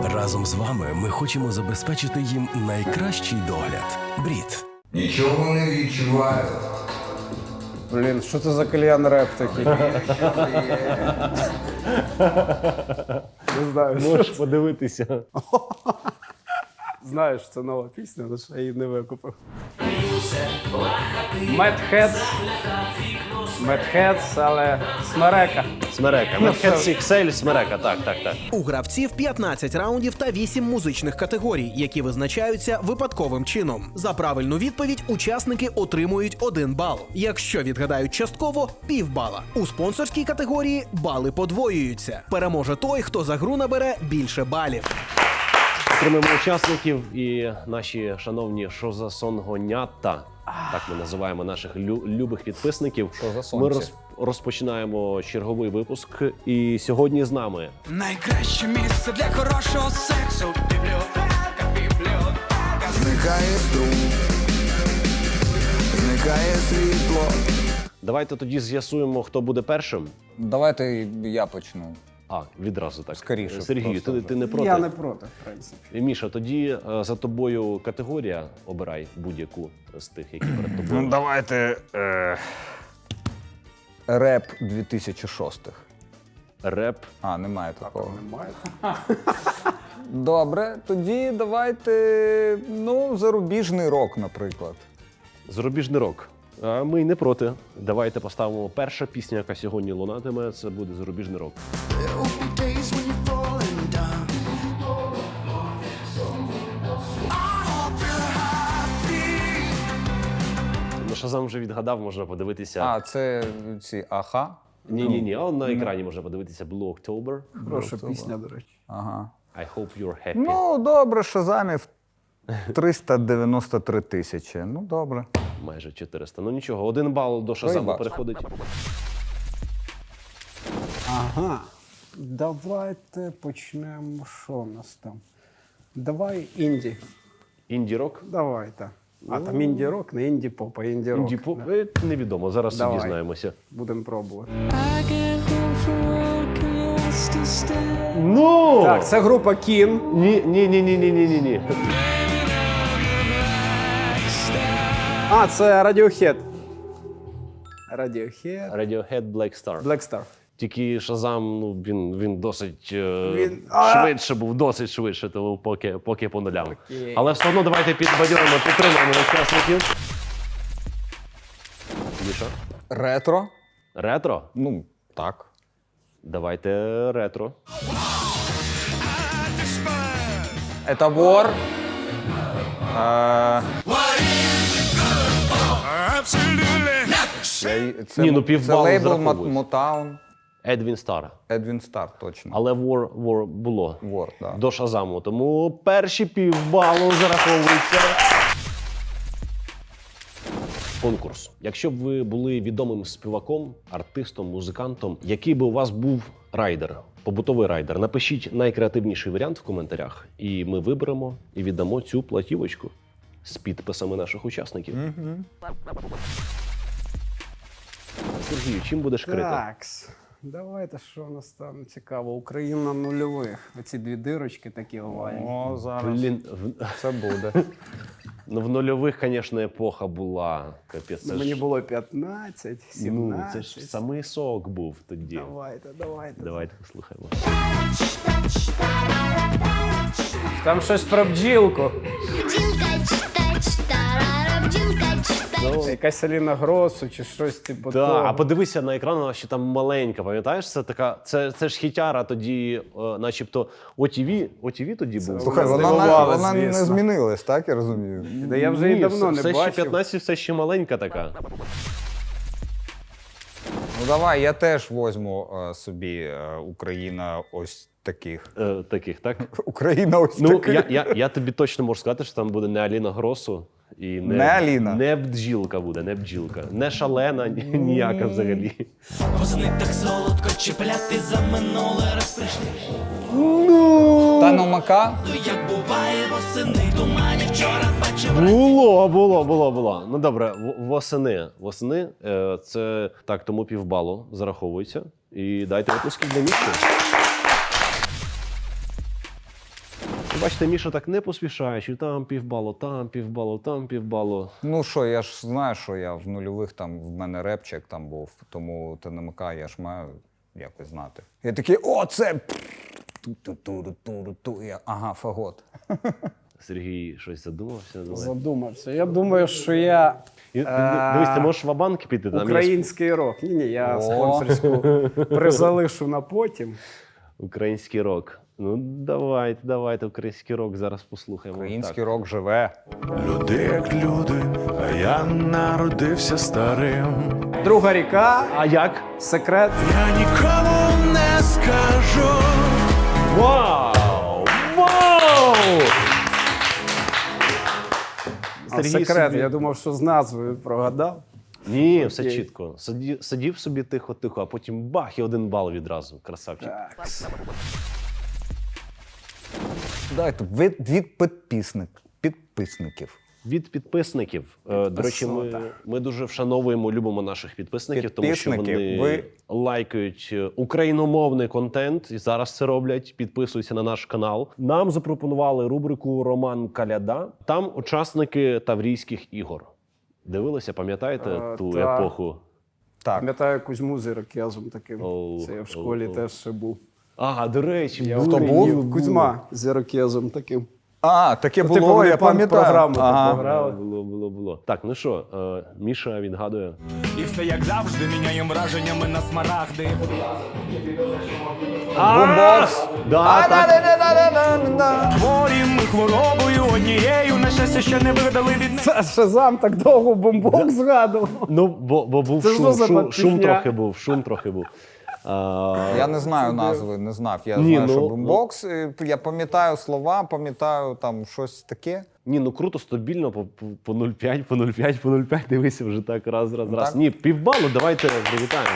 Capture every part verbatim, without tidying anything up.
Разом з вами ми хочемо забезпечити їм найкращий догляд. Брід. Нічого не відчуваю. Блін, що це за кальян реп такий? Не знаю, що Можеш це. подивитися. Знаєш, це нова пісня, але ще я її не викупив. Медхедс. Медхедс, але смерека. Смерека. Медхедс ікс ель, смерека. Так, так, так. У гравців п'ятнадцять раундів та вісім музичних категорій, які визначаються випадковим чином. За правильну відповідь учасники отримують один бал. Якщо відгадають частково – півбала. У спонсорській категорії бали подвоюються. Переможе той, хто за гру набере більше балів. Підтримуємо учасників і наші шановні шозасонгонята. Так ми називаємо наших лю- любих підписників. Ми роз- розпочинаємо черговий випуск. І сьогодні з нами Найкраще місце для хорошого сексу. Бібліотека, бібліотека. Зникає струм, зникає світло. давайте тоді з'ясуємо, хто буде першим. Давайте я почну. А, відразу так. Скоріше Сергію, просто ти, вже. ти не проти? Я не проти, в принципі. І, Міша, тоді е, за тобою категорія. Обирай будь-яку з тих, які перед тобою. Ну, давайте. Е... Реп дві тисячі шостих. Реп. А, немає такого. Немає. Добре, тоді давайте. Ну, зарубіжний рок, наприклад. Зарубіжний рок. А ми й не проти. Давайте поставимо перша пісня, яка сьогодні лунатиме. Це буде зарубіжний рок. Days when you're falling down. Ну, Шазам вже відгадав, можна подивитися. А, це ці аха. Ні, ні, ні. А на екрані можна подивитися Blue October. Хороша пісня, до речі. Ага. I hope you're happy. Ну, добре, шазамів триста дев'яносто три тисячі. Ну, добре. Майже чотириста. Ну нічого, один бал до Шазаму бал. переходить. Ага. Давайте почнемо. Що у нас там? Давай інді. Інді-рок. Давай, так. А там інді-рок, не інді-поп, а інді-рок. Інді-поп. Е, Невідомо, зараз Давай. собі дізнаємося. Будемо пробувати. I get home from work and lost to stay. Ну! Так, це група Кін. Ні, ні, ні, ні, ні, ні, ні, ні. А, це Radiohead. Radiohead. Radiohead Black Star. Black Star. Тільки Шазам, ну він, він досить е, Він- А! швидше був, досить швидше, тому поки, поки по нулям. Але все одно давайте підбадьоримо, підтримаємо учасників. Міша? Ретро. Ретро? Ну, так. Давайте ретро. Это вор. Е, я й- Це, Ні, ну, мо- це півбалу лейбл зараховується. Мотаун. Едвін Стар. Едвін Стар, точно. Але War, War було. Вор, да. До Шазаму. Тому перші півбалу зараховуються. Конкурс. Якщо б ви були відомим співаком, артистом, музикантом, який би у вас був райдер, побутовий райдер, напишіть найкреативніший варіант в коментарях, і ми виберемо і віддамо цю платівочку з підписами наших учасників. Сергію, чим будеш крити? Такс. Давайте, що у нас там цікаво. Україна нульових. Оці дві дирочки такі овальні. О, зараз Блін, в, це буде. ну, в нульових, звісно, епоха була. Капець, це Мені ж, було п'ятнадцять, ну, сімнадцять. це ж самий сок був тоді. Давайте, давайте. Давайте послухаємо. Там щось про бджілку. Якась Аліна Гросу чи щось типу Так, того. а подивися на екран, вона ще там маленька, пам'ятаєш? Це така, це, це ж хітяра тоді, е, начебто, о ті ві, о ті ві тоді був. Слухай, Мене вона, здивувало, вона не звісно. змінилась, так я розумію? Да я вже її Ні, давно все, не все ще бачив. п'ятнадцять, все ще маленька така. Ну давай, я теж возьму е, собі е, Україна ось таких. Е, таких, так? Україна ось Ну, таких. я, я, я тобі точно можу сказати, що там буде не Аліна Гросу. І не, Не Аліна? Не бджілка буде, не бджілка. Не шалена, ні- ніяка взагалі. Восени так солодко чіпляти за минуле раз прийшли. Та номака. Як буває восени, тумані вчора бачив. Було, було, було, було. Ну добре, в- восени. Восени е, це так, тому півбалу зараховується. І дайте випуски для місця. Бачите, Міша так не поспішаючи, там півбалу, там півбалу, там півбалу. Ну що, я ж знаю, що я в нульових, там в мене репчик там був, тому Т Н М К я ж маю якось знати. Я такий, о, це... Ту-ту-ту-ту-ту-ту. Я, ага, фагот. Сергій щось задумався. Давай. Задумався. Я думаю, що я І, дивись, ти можеш в ва-банк піти. Там є український рок. Ні, ні, я О. спонсорську призалишу на потім. український рок. Ну, давайте, давайте український рок зараз послухаємо. Український Так. рок живе. Люди як люди, а я народився старим. Друга ріка, А як? секрет. Я нікому не скажу. Вау! Вау! А Сергій секрет, собі- я думав, що з назвою прогадав. Ні, все Окей. чітко. Сидів, сидів собі тихо-тихо, а потім бах і один бал відразу. Красавчик. Так. Дайте від, від підписник, підписників. Від підписників. Е, До речі, ми, Підписота. ми дуже вшановуємо, любимо наших підписників, тому що Підписники, вони ви- лайкають е, україномовний контент і зараз це роблять. Підписуються на наш канал. Нам запропонували рубрику Роман Каляда. Там учасники Таврійських ігор. Дивилися, пам'ятаєте Е, ту та. епоху? Так. Пам'ятаю Кузьму з ірокезом таким. Оу, Це я в оу, школі оу. теж ще був. Ага, до речі, Я були, був? ні, Кузьма з ірокезом таким. А, таке Ну, типу, було, вони я пам'ятаю. панк-програму таку Ага. грали. Було, було, було. Так, ну що, е, Міша відгадує. І все як завжди міняєм враженнями на смарагди. Бумбокс. Да, так. А-да-да-да-да-да-да. Хворі ми хворобою однією, на щастя ще не видали від Це Шазам так довго бомбок згадував. Ну, бо, бо був Це що шум, за шум, шум пісня? трохи був, шум трохи був. А, Я не знаю назви, не знав. Я Ні, знаю, ну, що ну. бумбокс. і Я пам'ятаю слова, пам'ятаю там щось таке. ні, ну круто, стабільно, по, по, по нуль п'ять, по нуль п'ять, по нуль п'ять, дивися вже так, раз, раз, раз. Так. Ні, півбалу, давайте привітаємо.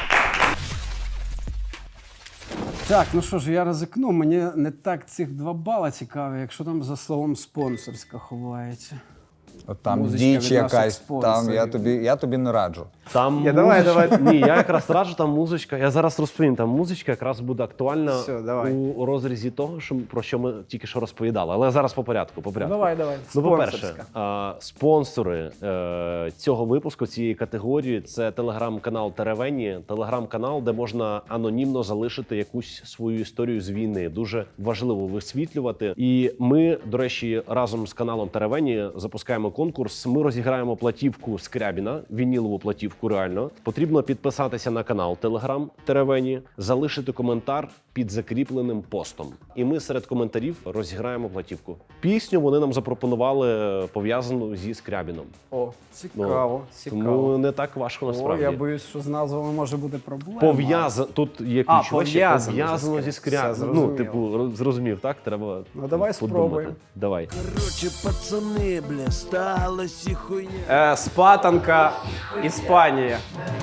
Так, ну що ж, я ризикну. Мені не так цих два бала цікаві, якщо там за словом спонсорська ховається. От там Музичка діч від якась, наших там спонсорів. я тобі, я тобі не раджу. Там Я, давай, музичка- давай. Ні, я якраз раджу, там музичка. Я зараз розповім, там музичка якраз буде актуальна Все, давай. у розрізі того, що, про що ми тільки що розповідали. Але зараз по порядку, по порядку. Давай, давай. Ну, по-перше, Спонсорська. а, спонсори е, цього випуску, цієї категорії, це телеграм-канал Теревені, телеграм-канал, де можна анонімно залишити якусь свою історію з війни. Дуже важливо висвітлювати. І ми, до речі, разом з каналом Теревені запускаємо конкурс. Ми розіграємо платівку Скрябіна, вінілову платівку. Реально потрібно підписатися на канал Телеграм Теревені, залишити коментар під закріпленим постом. І ми серед коментарів розіграємо платівку. Пісню вони нам запропонували пов'язану зі Скрябіном. О, цікаво, цікаво. Тому не так важко О, насправді. я боюсь, що з назвами може бути проблема. Пов'язано, тут є А, ключове ще пов'язано пов'язано зі зі Скрябіном. Скрябіном. Все, Ну, зрозуміло. типу, роз- зрозумів, так? Треба Ну, давай подумати. спробуємо. Давай. Короче, пацани, бля, сталося і хуйня. Е, Спатанка, Іспанія.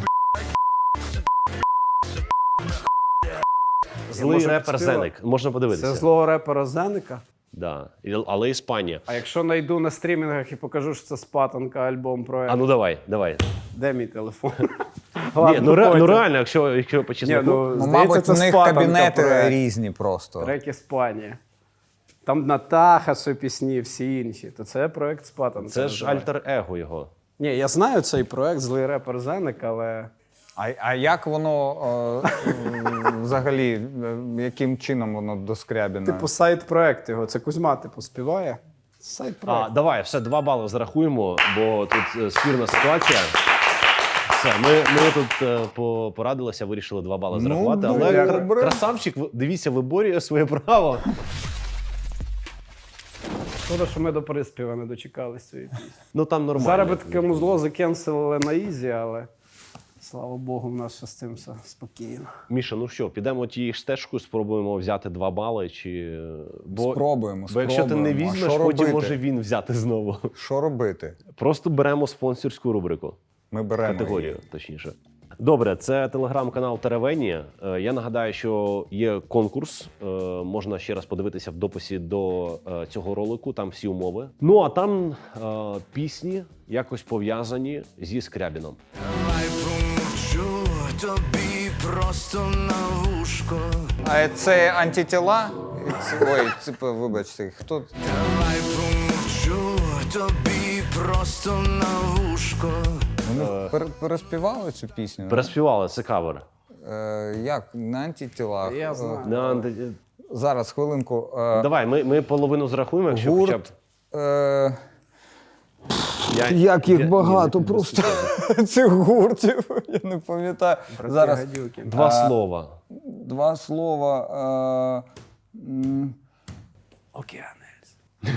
Злий можу репер підспівати. Зеник. Можна подивитися. Це злого репера Зеника. Да. І- Але Іспанія. А якщо знайду на стрімінгах і покажу, що це Спатанка, альбом проект. А ну давай, давай. Де мій телефон? Ні, Ладно, ну, ре, ну потім. реально, якщо, якщо по Ні, чесноку. ну, Ну, здається, мабуть, це в них Спатанка кабінети проект. різні просто. Трек Іспанія. Там Натаха, ще пісні, всі інші. То це проект Спатанка. Це ж називається. альтер-его його. Ні, я знаю цей проект, злий репер Зеник, але А, а як воно е, м, взагалі, е, яким чином воно до Скрябіна? типу сайт-проект його. Це Кузьма, типу, співає. Сайт-проект. А, давай, все, два бали зарахуємо, бо тут е, спірна ситуація. Все, ми, ми тут е, по- порадилися, вирішили два бали Ну, зарахувати. ну, але дякую. кра- красавчик, ви- дивіться, виборює своє право. Шкода, що ми до приспіва не дочекались цієї пісні. Ну там нормально. Зараз би таке музло закенселили на ізі, але слава Богу, в нас ще з цим все спокійно. Міша, ну що, підемо тією ж стежкою, спробуємо взяти два бали, чи бо, Спробуємо, бо якщо ти не спробуємо. А візьмеш, що потім робити? може він взяти знову. Що робити? Просто беремо спонсорську рубрику. Ми беремо Категорію, її. точніше. Добре, це телеграм-канал Теревені. Е, Я нагадаю, що є конкурс. Е, Можна ще раз подивитися в дописі до е, цього ролику. Там всі умови. Ну а там е, пісні якось пов'язані зі Скрябіном. Давай промовчу тобі просто на вушко. А це антитіла Ой, типу, вибачте, хто? Давай помовчу, тобі просто на вушко. Вони пер- переспівали цю пісню? Переспівали, це кавер. Е, як? На антитілах. Я знаю. Е, На анти- зараз, хвилинку. Е, Давай, ми, ми половину зрахуємо, якщо хоча б. гурт. Е, Я, як їх я- багато ні, не- просто цих гуртів. Я не пам'ятаю. Зараз Гадюки. Два А, слова. два слова. Е, м, Океанельс.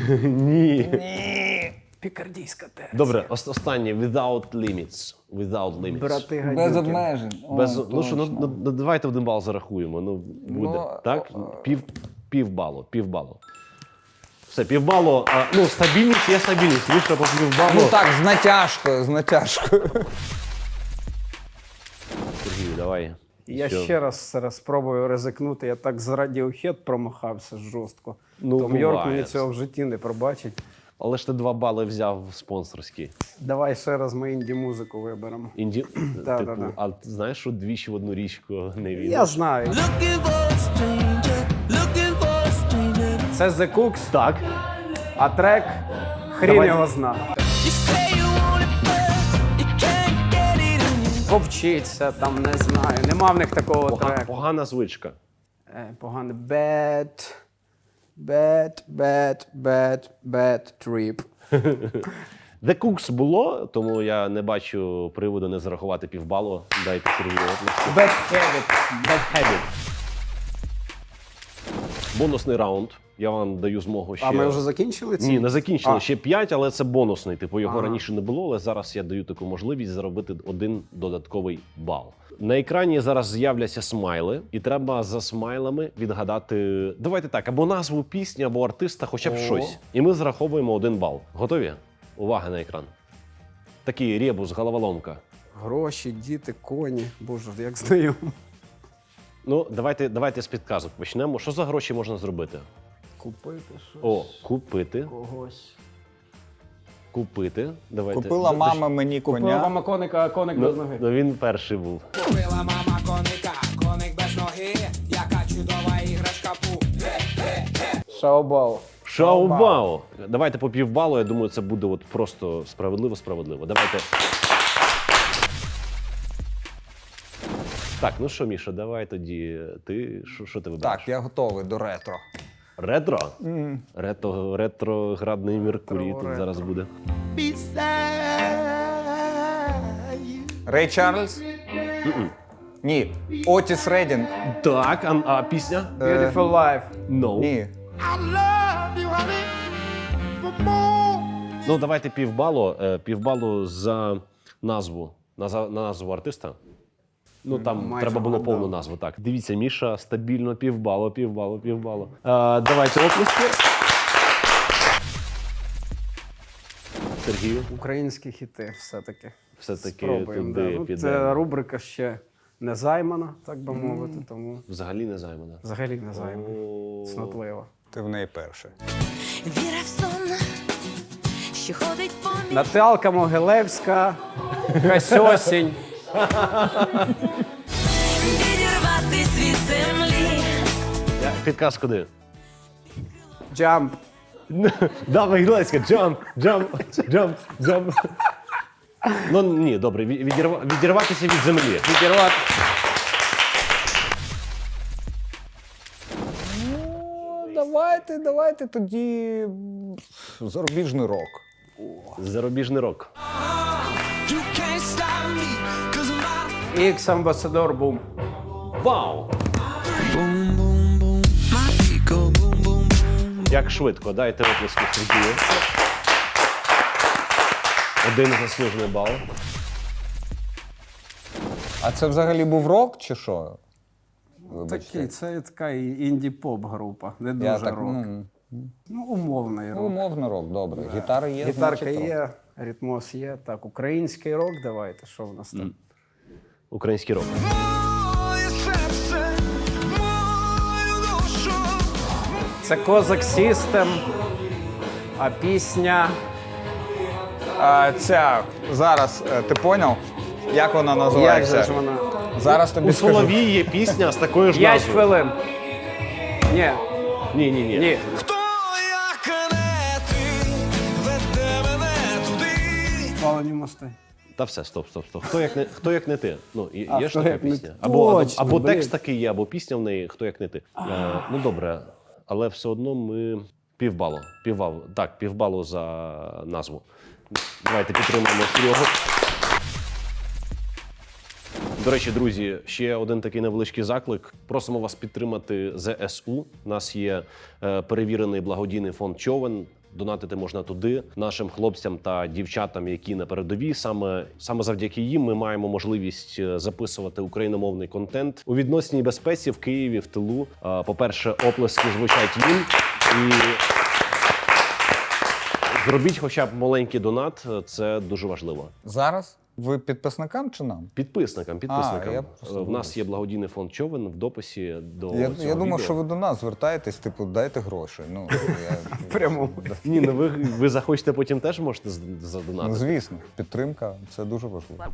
Ні. Пікардійська теж. Добре, ос- останнє. Without limits. Without limits. Брати гадюки. без обмежень. О, Без, ну що, ну, точно. ну, ну, давайте один бал зарахуємо. Ну, буде. Ну, так? Пів, пів балу, пів балу. Все, пів балу. А, ну, стабільність є стабільність. Вийшло по пів балу. Ну так, з натяжкою, з натяжкою. Сергій, давай. Я Що? ще раз зараз спробую ризикнути. Я так з Radiohead промахався жорстко. Ну, Том Йорк буває. мені цього в житті не пробачить. Але ж ти два бали взяв спонсорські. Давай ще раз ми інді-музику виберемо. Інді... Да, типу, да, да. А ти знаєш, що двічі в одну річку не війде? Я знаю. Looking for a stranger, looking for a stranger. Це The Cooks, Так. а трек хрін Давай. його зна. You say you want it, but you can't get it in you. Повчиться, там не знаю. Нема в них такого Пога- треку. Погана звичка. Е, Погано. Bad, bad, bad, bad, bad trip. The Cooks було, тому я не бачу приводу не зарахувати півбалу. Дайте Сергію оплески. Bad habit. Bad habit. Бонусний раунд. Я вам даю змогу ще. А ми вже закінчили ці? Ні, не закінчили. А. Ще п'ять, але це бонусний. Типу його Ага. раніше не було, але зараз я даю таку можливість заробити один додатковий бал. На екрані зараз з'являться смайли, і треба за смайлами відгадати. Давайте так, або назву пісні, або артиста, хоча б О. щось. І ми зараховуємо один бал. Готові? Увага на екран. Такий ребус, головоломка. Гроші, діти, коні. Боже, як знайомо. Ну, давайте, давайте з підказок почнемо. Що за гроші можна зробити? Купити щось. О, купити. Когось. Купити. Давайте. Купила Д- мама мені Купила коня. мама коника, а коник без Ну, ноги. ну він перший був. Купила мама коника, коник без ноги, яка чудова іграшка пу. Шаобао. Шаубао. Давайте по півбалу, я думаю, це буде от просто справедливо-справедливо. Давайте. Так, ну що, Міша, давай тоді. Ти що, що ти вибираєш? Так, я готовий до ретро. Ретро? Ретро, ретроградний Меркурій тут Ретро. зараз буде. Рей Чарльз? Ні. Отіс Редін? Так, а, а пісня? Beautiful life. No. Ні. Ну, давайте півбалу, е, півбалу за назву. На, за- на назву артиста. Ну там Майже треба було вгадав. повну назву. Так, дивіться, Міша стабільно півбалу, півбалу, півбалу. Е, давайте оплески. Сергію, Українські хіти все-таки. все-таки Спробуємо. туди Да. Ну, піде. це рубрика ще не займана, так би мовити, тому Взагалі не займана. взагалі не займана. О, Цнотлива. Ти в неї перший. Віра в сон, що ходить поміж Наталка Могилевська, Касьосінь. відірватись від землі. Я- Підказ куди? Джамп. Давай, Глеська, джамп, джамп, джамп, джамп. Ну ні, добре, ві- відірва- відірватися від землі. Відірвати. Ну, давайте, давайте тоді м, зарубіжний рок. Зарубіжний рок. You can't stop me, 'cause my Ікс Амбасадор Бум. Вау! boom, boom, boom. My feet go boom, boom, boom. Як швидко, дайте оплески Сергію. Один заслужений бал. А це взагалі був рок чи що? Вибачте. Такий, це така і- інді-поп група, не дуже Я так, рок. ну, Ну, умовний ну, рок. умовно рок, добре. Гітара є, Гітарка значить, рок. є, ритмос є. Так, український рок давайте, що в нас там? Український рок. Моє серце, мою душу. Це Козак Сістем, а пісня А, ця, зараз, е, ти поняв, як вона як називається? же ж вона? Зараз тобі У скажу. Соловії є пісня з такою ж П'ять назвою. хвилин. Ні. Ні, ні, ні. Ні. Хто як не ти веде мене туди? Спалені мости. Та все, стоп, стоп, стоп. Хто як не, хто як не ти? Ну, і- А, є ж «Хто така як не пісня. ти». Або, або, Точно, або блін. текст такий є, або пісня в неї «Хто як не ти». Е, ну добре, але все одно ми півбалу. Півбалу. Так, півбалу за назву. Давайте підтримаємо Серегу. До речі, друзі, ще один такий невеличкий заклик. Просимо вас підтримати зе ес у. У нас є е, перевірений благодійний фонд «Човен». Донатити можна туди нашим хлопцям та дівчатам, які на передовій. Саме саме завдяки їм ми маємо можливість е, записувати україномовний контент у відносній безпеці в Києві, в тилу. Е, По-перше, оплески звучать їм і зробіть хоча б маленький донат. Це дуже важливо. Зараз? Ви підписникам чи нам? Підписникам, підписникам. я Е, просто в нас є благодійний фонд «Човен» в дописі до Я, цього я думав, відео. що ви до нас звертаєтесь, типу, дайте гроші. Ну, я, Прямо. Ні, ну ви, ви захочете потім теж можете з- ну, задонатити. звісно, підтримка це дуже важливо.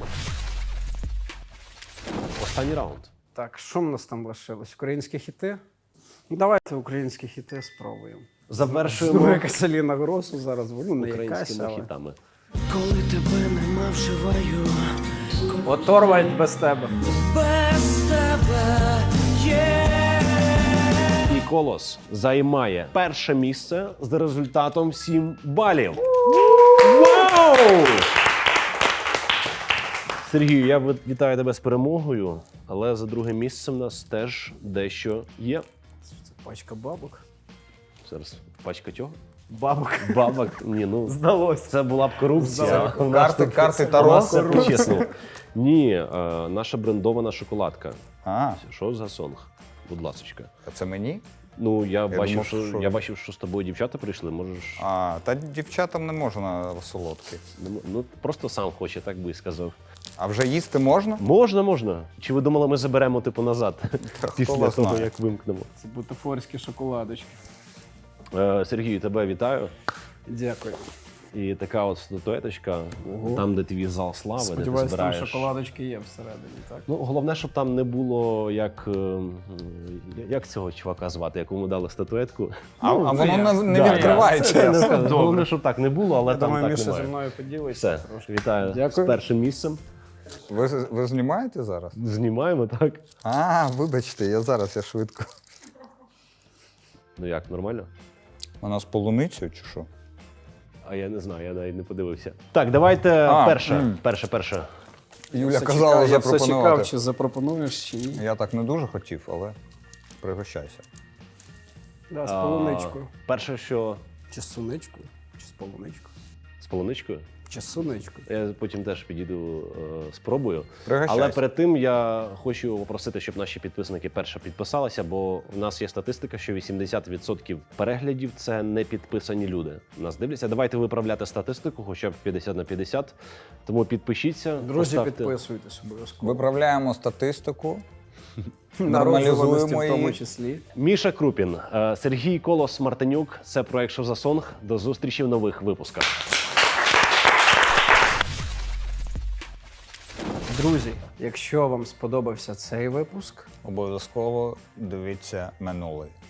Останній раунд. Так, що в нас там лишилось? Українські хіти? Ну, давайте українські хіти спробуємо. Ну, Завершуємо якась Аліна Гросу зараз, ну не якась, українськими але... хітами. Коли тебе нема, вживаю. От Торвальд без тебе. Без тебе є. І Колос займає перше місце з результатом сім балів. Вау! Сергію, я ви- вітаю тебе з перемогою, але за друге місце в нас теж дещо є. Це пачка бабок. Зараз пачка чого? Бабок. Бабок. Ні, ну Здалося. це була б корупція. Здалося. У нас Карти, тут- карти у Таро. нас все по-чесному. Ні, е, наша брендована шоколадка. А, Що за сонг? Будь ласочка. а це мені? Ну, я, бачив, думав, що, що- я бачив, що з тобою дівчата прийшли. Можеш. А, та дівчатам не можна солодкі. Ну, ну, просто сам хоче, так би і сказав. А вже їсти можна? Можна, можна. Чи ви думали, ми заберемо типу назад Та хто після вас того, знає? як вимкнемо? Це бутафорські шоколадочки. Е, Сергій, тебе вітаю. Дякую. І така от статуеточка, там, де твій зал слави, де ти Сподіваюсь, там збираєш. шоколадочки є всередині, так? Ну, головне, щоб там не було як. е, Як цього чувака звати, якому дали статуетку. А, Ну, а це воно я. не, не Да, відкривається. да. Це не Все скажу. добре. Головне, щоб так не було, але Я там думаю, так Міша зі немає. мною поділиться Все, трошки. вітаю Дякую. з першим місцем. Ви, ви знімаєте зараз? Знімаємо, так? А, вибачте, я зараз я швидко. Ну як, нормально? Вона з полуницею чи що? А я не знаю, я навіть не подивився. Так, давайте А, перше. м. Перше, перше. Юля Все казала чекав, я все запропонувати. чекав, чи запропонуєш, чи ні. Я так не дуже хотів, але пригощайся. Да, з А, полуничкою. Перше, що Чи з суничкою, чи з полуничкою. з полуничкою. Чи з суничкою. Я потім теж підійду, е, спробую. Пригощайся. Але перед тим я хочу попросити, щоб наші підписники перше підписалися, бо в нас є статистика, що вісімдесят відсотків переглядів це не підписані люди. Нас дивляться. Давайте виправляти статистику, хоча б п'ятдесят на п'ятдесят. Тому підпишіться. Друзі, поставте- підписуйтесь обов'язково. Виправляємо статистику, Народжуваності нормалізуємо в тому її. числі. Міша Крупін, е, Сергій Колос Мартинюк. Це проект «Що за сонг». До зустрічі в нових випусках. Друзі, якщо вам сподобався цей випуск, Обов'язково дивіться минулий.